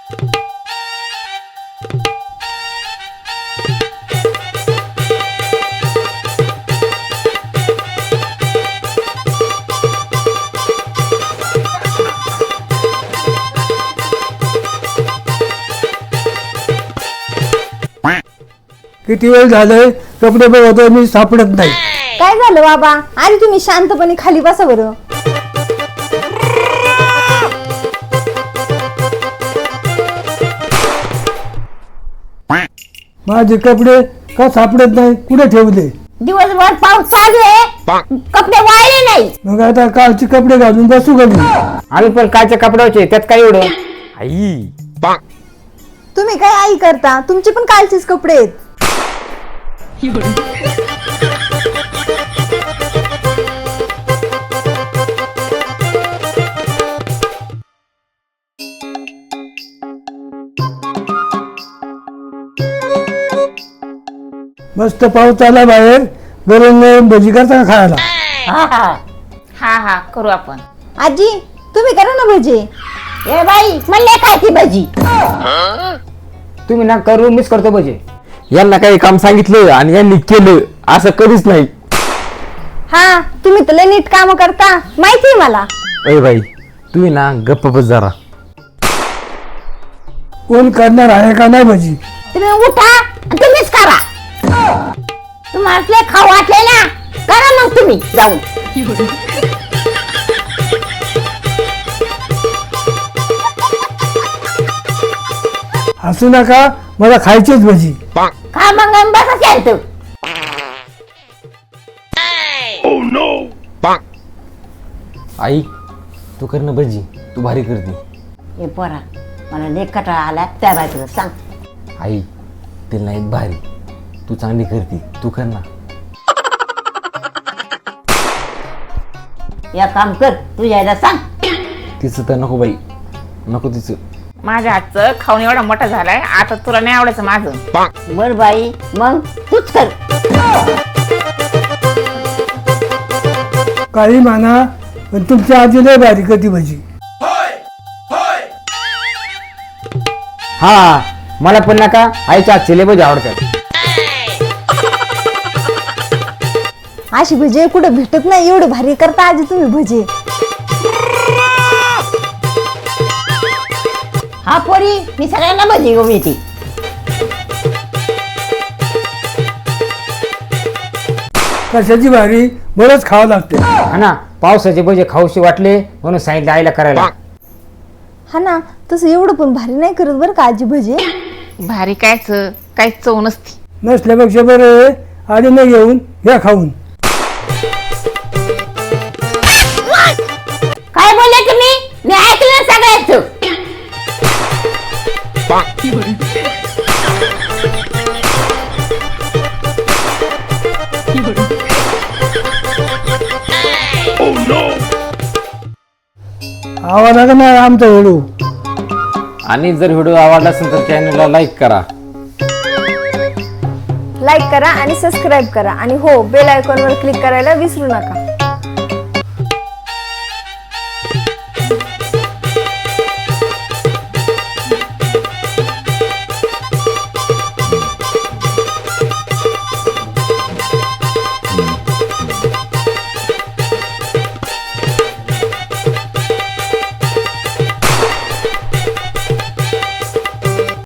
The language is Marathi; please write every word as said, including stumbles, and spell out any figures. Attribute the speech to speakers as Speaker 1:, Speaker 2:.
Speaker 1: किती वेळ झालंय कपडे बघतोय मी, सापडत नाही.
Speaker 2: काय झालं बाबा? आधी तुम्ही शांतपणे खाली बसा बरं.
Speaker 1: माझे कपडे का सापडत नाही, कुठे ठेवले?
Speaker 3: दिवसभर पाऊस चालू आहे, कपडे वाळले नाही.
Speaker 1: मग आता कालचे कपडे घालून बसू का मी?
Speaker 4: आम्ही पण कालच्या कपड्याचे, त्यात काय एवढं? आई
Speaker 2: तुम्ही काय आई करता? तुमचे पण कालचेच कपडे आहेत.
Speaker 1: मस्त पाऊस आला बाहेर, गरम गरम भजी करता का खायला?
Speaker 3: हा हा हा हा करू आपण.
Speaker 2: आजी तुम्ही करा ना भजी.
Speaker 3: ए बाई म्हणले खायची भजी.
Speaker 4: तुम्ही ना करू, मिस करतो बजे. यांना काही काम सांगितलं आणि यांनी केलं असं कधीच नाही.
Speaker 2: हा तुम्ही तर लय नीट काम करता, माहितीये मला.
Speaker 4: अरे बाई तुम्ही ना गप्प बस जरा.
Speaker 1: कोण करणार आहे का नाही भजी?
Speaker 3: तुम्ही उठा आणि तुम्हीच करा. तुम्हाला खाऊ वाटले ना, करा मग तुम्ही जाऊन.
Speaker 1: हसू नका, मला खायचीच भजी.
Speaker 3: खा मग बसा शांत.
Speaker 4: आई तू कर ना भजी, तू भारी करते.
Speaker 3: ए पोरा मला लय कटाळा आला त्या बाजूला सांग.
Speaker 4: आई ते नाही भारी, तू चांगली करते, तू कर ना.
Speaker 3: या काम कर, तू यायला सांग.
Speaker 4: तिचं तर नको बाई, नको तिचं.
Speaker 5: माझ्या हातचं खाऊन एवढा मोठा झालाय, आता तुला नाही आवडायचं माझं.
Speaker 3: बर बाई मग तूच कर.
Speaker 1: काही म्हणा, पण तुमच्या आजी लय भारी करते भजी.
Speaker 4: हा मला पण नका, आईच्या हातचे लय भजी आवडतात.
Speaker 2: अशी भजी कुठे भेटत नाही, एवढे भारी करता आजी तुम्ही भजी.
Speaker 3: हा पोरी मी सगळ्यांना भजी घेऊन येते.
Speaker 1: कशाची भारी, बरंच खावं लागते.
Speaker 4: हा ना, पावसाचे भजे खाऊशी वाटले म्हणून सांगितलं आईला करायला.
Speaker 2: हा ना, तसं एवढं पण भारी नाही करत बरं का आजी भजी.
Speaker 5: भारी कायच, काहीच चव नसती.
Speaker 1: नसल्यापेक्षा बरं आधी नाही घेऊन घ्या खाऊन.
Speaker 3: काय बोलले तुम्ही? मी ऐकलं सगळ्याच.
Speaker 1: आवाज आला नाही आमचा व्हिडिओ.
Speaker 4: आणि जर व्हिडिओ आवडला असेल तर चॅनलला लाईक करा.
Speaker 2: लाईक करा आणि सबस्क्राईब करा आणि हो बेल आयकॉनवर क्लिक करायला विसरू नका.